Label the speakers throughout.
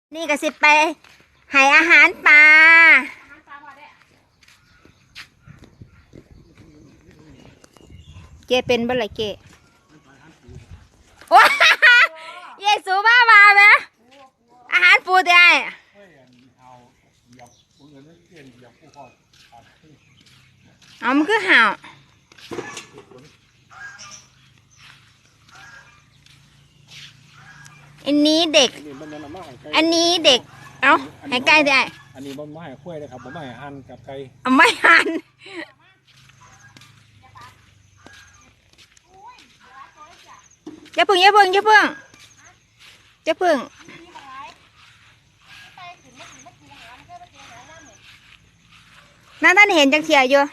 Speaker 1: นี่ก็สิไปให้อาหารปลาเจเป็นบ่ไรเจว้าเยซูบ้ามาไหมอาหารปูได้เอามันคือห่าวอันนี้เด็กอันนี้เด็กเอาให้ใกล้ได้
Speaker 2: อันนี้บ่มาให้คุ้ยเลยครับบ่มาให้หั่นกับไก่
Speaker 1: ไม่หันอย่าพึ่งนั่นท่านเห็นจังเทียอยู่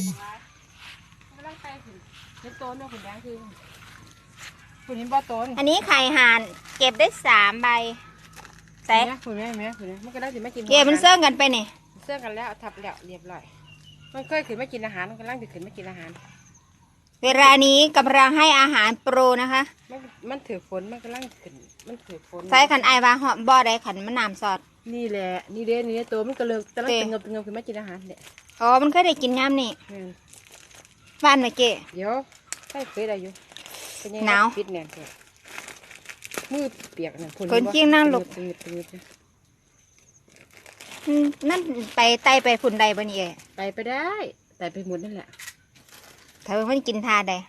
Speaker 1: อันนี้ไข่ห่านเก็บได้3 ใบแต่
Speaker 3: คุณแม่มันก็ได้สิไม่กิน
Speaker 1: เก็บมันเสื่องกันไปนี่
Speaker 3: เสื่องกันแล้วทับแล้วเรียบร้อยมันเคยขึ้นไม่กินอาหารมันกำลังจะขึ้นไม่กินอาหาร
Speaker 1: เวลานี้กำลังให้อาหารโปรนะคะ
Speaker 3: มันถือฝนมันกำลังขึ้นมันถือฝน
Speaker 1: ใส่ขันไอวาหอมบ่อใดขันมันน้ำซอด
Speaker 3: นี่แหละนี่ตัวมันก็เลยกำลังเงบขึ้นไม่กินอาหารเนี่ย
Speaker 1: อ๋อมันเคยได้กินย่ำนี่บ้านไหนเก๋
Speaker 3: เดี๋ยวใช่เคยได้อยู่
Speaker 1: หนาว
Speaker 3: ปิดแน่นเลยมือเปียกเนี่ย
Speaker 1: คนเกี้ยงนั่งหลบนั่นไปไต่ไปฝุ่นใดบ่นี่
Speaker 3: ไปได้แต่ไปหมดนั่นแหละ
Speaker 1: เธอมันกินทาใด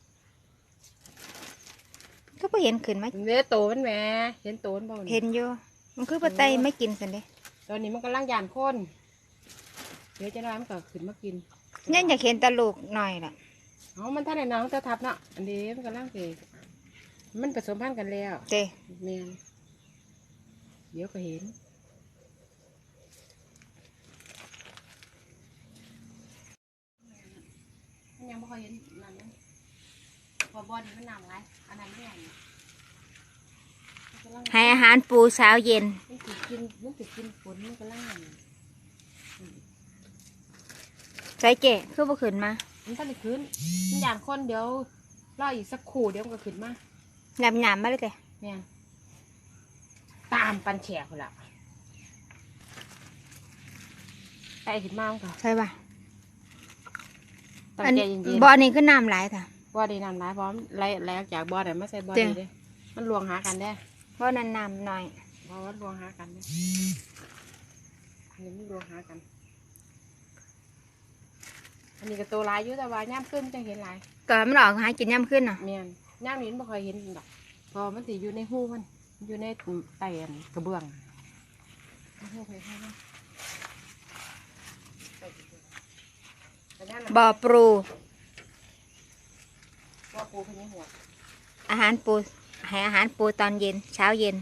Speaker 1: ก็ไม่เห็นขึ้นไหม
Speaker 3: เนี่ยโตมันแหมเห็นโตมันบ่
Speaker 1: เห็นอยู่มันคือปลาไตไม่กินสิเด้
Speaker 3: ตอนนี้มันกำลังยานคนเดี๋ยวจะน้อยมันก็ขึ้นมากิน
Speaker 1: นี่อยากเห็นตะลูกหน่อยล่ะ
Speaker 3: มันท่านไหนน้องจะทับเนาะอันนี้มันกำลังเกมันผสมพันธุ์กันแล้ว
Speaker 1: เจ้
Speaker 3: แม่เดี๋ยวก็เห็นยังไม่เคยเห็นนั่นนะพอบอลมันหนาวไรอันนั้นไม่ใหญ่
Speaker 1: ให้อาหารปูเช้าเย็น
Speaker 3: มันติดกินฝนมันก็ล่าง
Speaker 1: ใจเก๋คือบ่ขึ้นมา
Speaker 3: มันก็เลยขึ้นมันอย่างคนเดี๋ยวรออีกสักขู่เดี๋ยวมันก็ขึ้นมา
Speaker 1: หยาบมาเลยเจ้
Speaker 3: เนี่ยตามปันแฉกละไปขึ้นมาค่ะ
Speaker 1: ใช่ป่ะอันบ่อนี้คือน้ำไหลค่ะ
Speaker 3: บ่อดีน้ำไหลพร้อมไหลจากบ่อไหนมาใส่บ่อนี้เลยมันรวงหากันได้
Speaker 1: เพราะนั้นน้ำหน่อย
Speaker 3: เพราะว่ารวงหากันได้อันนี้มันรวงหากันอันนี้ก็ตัวลายอยู่แต่ว่าย่ำขึ้นจะเห็นลาย
Speaker 1: ก็มันออกหากินย่ำขึ้นเนาะ
Speaker 3: เมียนย่ำนี้ไม่เคยเห็นดอกพอมันสิอยู่ในหูมันอยู่ในไตกระเบื้อง
Speaker 1: บ่อปู
Speaker 3: ขึ้นในหัว
Speaker 1: อาหารปูให้อาหารปูตอนเย็นเช้าเย็น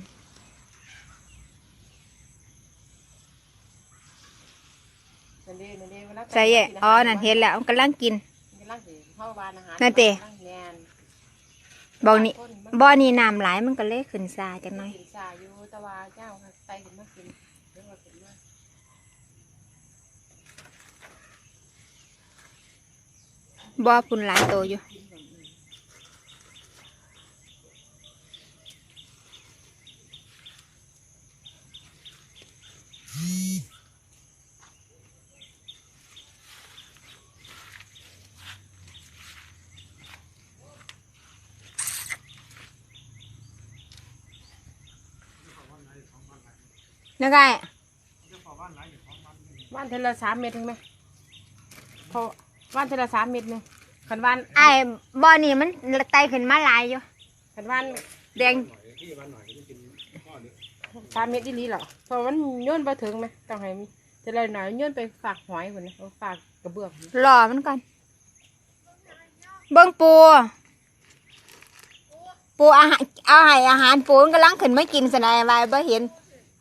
Speaker 1: ใช่อ๋อนั่นเห็นแล้วมันกำลังกินนั่นเตะบ่อนี้น้ำไหลมันก็เล็กขึ้นซาจังหน่อยบ่อปุ่นหลายโตอยู่นักไง
Speaker 3: ว่านเทละ3 เมตรถึงไหมพอว่านเทละ3 เมตรนึงขันว่าน
Speaker 1: ไอ้บ่อนี่มันไตขึ้นมาหลายอยู่
Speaker 3: ขันว่าน
Speaker 1: แดง
Speaker 3: 3 เมตรดีหรอพอมันย้อนไปถึงไหมต้องให้มีจะเลยหน่อยย้อนไปฝากหอยเหมือนฝากกระเบื้อง
Speaker 1: หล่อมันก่อนเบิ้งปูอาหารเอาให้อาหารปูมันกำลังขึ้นไม่กินสนายไว้บ่เห็น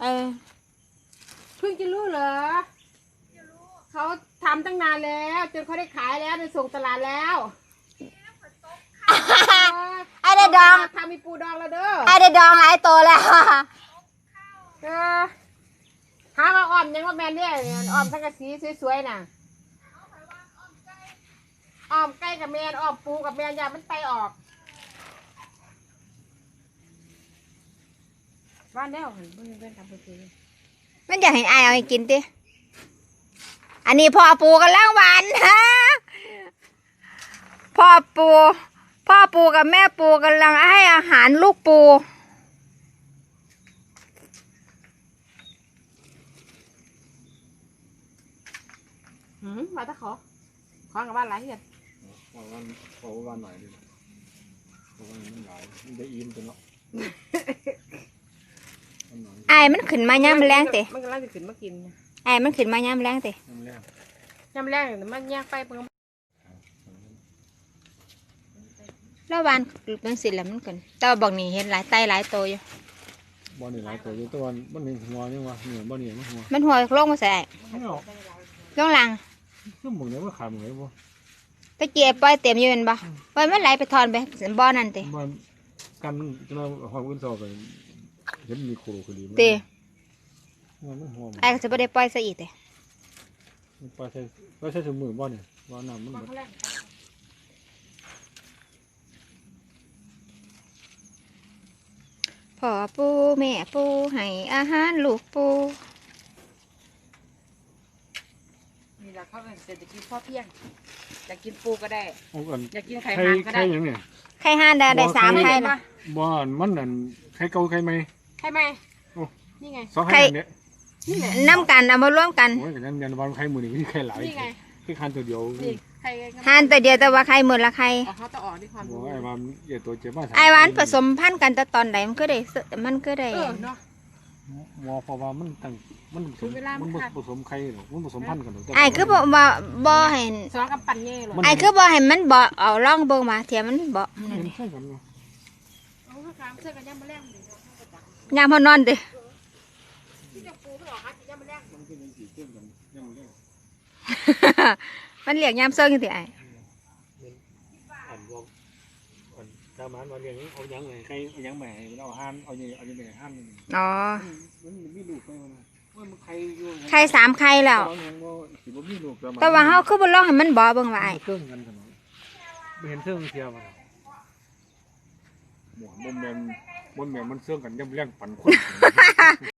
Speaker 3: เพิ่งจะรู้เหรอเขาทำตั้งนานแล้วจนเขาได้ขายแล้วไปส่งตลาดแล้ว
Speaker 1: ไอ้เด็ดดอง
Speaker 3: ทำมีปูดองแล้วเด้อ
Speaker 1: ไอ้เด็ดดองหลายตัวแล้ว
Speaker 3: หามาอ้อมยังว่าแมนเนี่ยอ้อมสังกะสีสวยๆน่ะอ้อมไก่กับแมนอ้อมปูกับแมนอย่ามันไปออกบ้านแล้วเห็นเพิ่นเป็นทำเป็น
Speaker 1: มันอยากให้อายเอาให้กินติอันนี้พ่อปูกำลังหวานฮะพ่อปูกับแม่ปูกำลังให้อาหารลูกปู
Speaker 3: มาตะขอกับบ้านหลายเหี้ย
Speaker 2: ขอวันหน่อยดิขอวันมันหลายมันจะอิ่มตัวเนาะ
Speaker 1: อายมันขึ้นมาย่ำแรงติ
Speaker 3: มันกำลังจะขึ้นมากิน
Speaker 1: อายมันขึ้นมาย่ำแรงติ
Speaker 2: น้ำแรง
Speaker 3: ยำแรงมันแยกไปเพิ่ง
Speaker 1: แล้ววานมันสิแล้วมันขึ้นแต่ว่าบอกนี่เห็นหลายไตหลายโตอยู่
Speaker 2: บ่นี่หลายตัวอยู่ตัวมันนี่หัวยังวะเหนือบ่นี่มันหัว
Speaker 1: มันหัวลงมาใส่
Speaker 2: ไม่ออก
Speaker 1: ลงหลัง
Speaker 2: ซึ่งหมึงเนี่ยว่าขาหมึงเลยบ่
Speaker 1: ตะเกียบปล่อยเต็มอยู่เป็นบ่ปล่อยมันไหลไปทอนไปบ่อนั่นติ
Speaker 2: มันกันจะมาหอมขึ้นซอไปเห็นมีโคโรคดี
Speaker 1: ติ
Speaker 2: มันหอม
Speaker 1: อายก็จะไม่ได้ปล่อยซะอีกติ
Speaker 2: ไปใช้ถุงมือบ่เนี่ยว่าน้ำมัน
Speaker 1: พ่อปูแม่ปูให้อาหารลูกปู
Speaker 3: นี่แหละเขาเป็นเศรษฐกิจพอเพียงอยากกินปูก็ได้
Speaker 2: เอากัน
Speaker 3: อยากกินไข่ห่านก็ได้
Speaker 2: ยังเนี่ย
Speaker 1: ไข่ห่านได้3ไข่นะ
Speaker 2: บ่มันนั่นไข่เก่าไข่ใหม่
Speaker 3: ไข่ไหมนี่ไง
Speaker 2: 2ไข่เนี่ย
Speaker 3: นี่ไง
Speaker 1: น้ำกันเอามาร่วมกัน
Speaker 2: โอ้ยกันยันวันไข่มือนี่มีไข่หลาย
Speaker 3: นี่ไง
Speaker 2: ไข่คันตัวเดียว
Speaker 3: นี่ไข่
Speaker 1: ห่านตัวเดียวแต่ว่าไข่หมื่นละไข่
Speaker 3: เขาต้องออกด้วยความ
Speaker 2: โอ้ยไอ้ว่าเดี๋ยวตัวเจ็บมาก
Speaker 1: ไอ้หวานผสมพันธุ์กันแต่ตอนไหนมันก็ได้
Speaker 3: เนาะ
Speaker 2: หมอเพราะว่ามันตั้งมันผสมไข่หรอกมันผสมพันธุ์กันหรอก
Speaker 1: ไอ้คือบ่เห็น
Speaker 3: สองกับปั่นเย่หรอ
Speaker 1: ไอ้คือบ่เห็นมันบ่เอาล่องเบิ่งมาเทียมมันบ่
Speaker 2: เห็นใช่กันเนาะ
Speaker 3: เอาข้าวขามเสื้อกันย่ำมาแรงเลย
Speaker 1: ยามพอนอนติ
Speaker 3: ที่จะปูไม่ออกฮะย่ำมาแรง
Speaker 2: มันเป็นสีเข้มกันยังเล่น
Speaker 1: มันเรียกยามเซิงจังซี่ไอ้
Speaker 2: อันบอกอันชาวบ้านมาเรียกเอายังไงใครเอายังแหม่เอาห้านเอายังไงห้านนี่
Speaker 1: อ๋อ
Speaker 2: มันมีลูกไปมันว่ามันใครอยู่
Speaker 1: ไข่3ไข่แล้ว
Speaker 2: สิบ่มีลูก
Speaker 1: แต่ว่าเฮาคือบ่ลองให้มันบ่เบิ่งว่าไอ้
Speaker 2: เครื่องกันกันไม่เห็นเครื่องเทียมมันหมวนแมนมันเสื่องกันย่ำเลี้ยงปั่นคน